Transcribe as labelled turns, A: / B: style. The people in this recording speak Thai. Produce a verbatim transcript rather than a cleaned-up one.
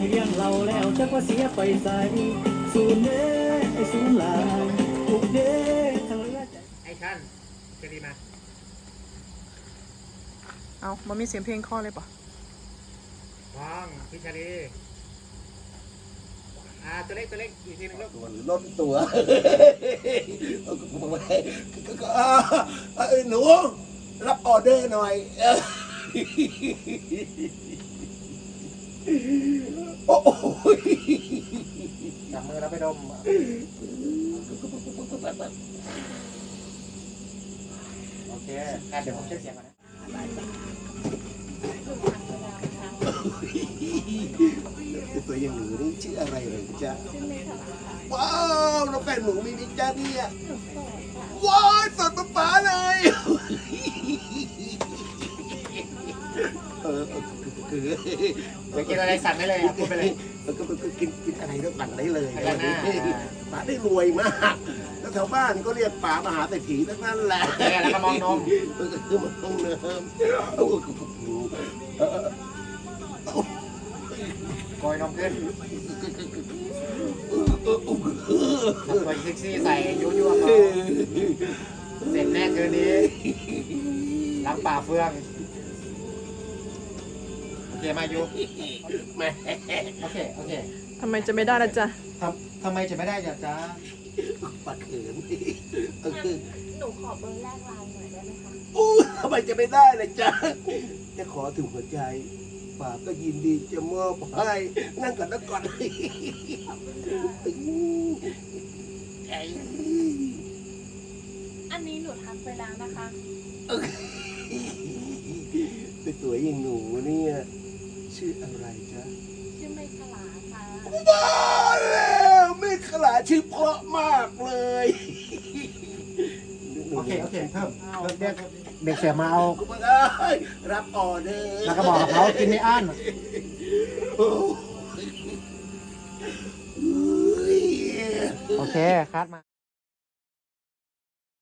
A: เลี้ยงเราแล้วจะว่าเสียไปใส่สูนเด้ไอ้สูนหลายทุกเด้ทั้งเลือดไอ้ชันจะดีมา
B: เอามันมีเสียงเพลงข้อเลยปะ
A: ว้องพิชาลีอ่าตัวเล็กตัวเล็กอีกทีนึงลูก
C: ตัวล้นตัวหนูรับออเดอร์หน่อยโอ้ย
A: จับมือแล้วไปดมโอเคงั้นเดี๋ยวผมเช็คเสียงก่อนนะ
C: ตัวอย่างหนูนี่ชื่ออะไรเลยจ๊ะว้าวน้องแฟนหนูมีนิจ้าเนี่ยว้าวสดป๊าเลยเออคือ
A: ไปกินอะไรสั่งได้เลยครับพูดไปเลย
C: ก็กินกินอะไรก็สั่งได้เลยป๋าได้รวยมากแล้วแถวบ้านก็เรียกป๋ามหาเศรษฐีทั้งนั้นแหละ
A: แล้วก็มองนม
C: ก็คือมองเนิม
A: โกยนมขึ้นตัวเซ็กซี่ใส่ยั่วๆเขาเสร็จแน่คืนนี้ล้างป่าเฟืองโอเคมาอยู่
C: แม่
A: โอเคโอเค
B: ทำไมจะไม่ได้ละจ๊ะ
A: ทำทำไมจะไม่ได้จ๊ะจ๊ะ
C: ปัดเขิน
D: หนูขอเบอร์แรกไลน์หน่อยได้ไหมคะ
C: อู้ทำไมจะไม่ได้เลยจ๊ะจะขอถึงหัวใจป่าก็ยินดีจะมอบให้นั่งก่อนนั่งก่อน
D: อันนี้หนูทักไปแล้วนะคะ
C: สวยอย่างหนูเนี่ยชื่ออะไรจ๊ะ
D: ชื่อเมฆลาค่ะ
C: ว้าวแล้วเมฆลาชื่อเพราะมากเลย
A: โอเคโอเคเพิ่มเพิ่มเด็กเด็กเสียมาเอา
C: รับออเดอร์
A: แล้วก็บอกกับเขากินไม่อั้นโอเคคัดมา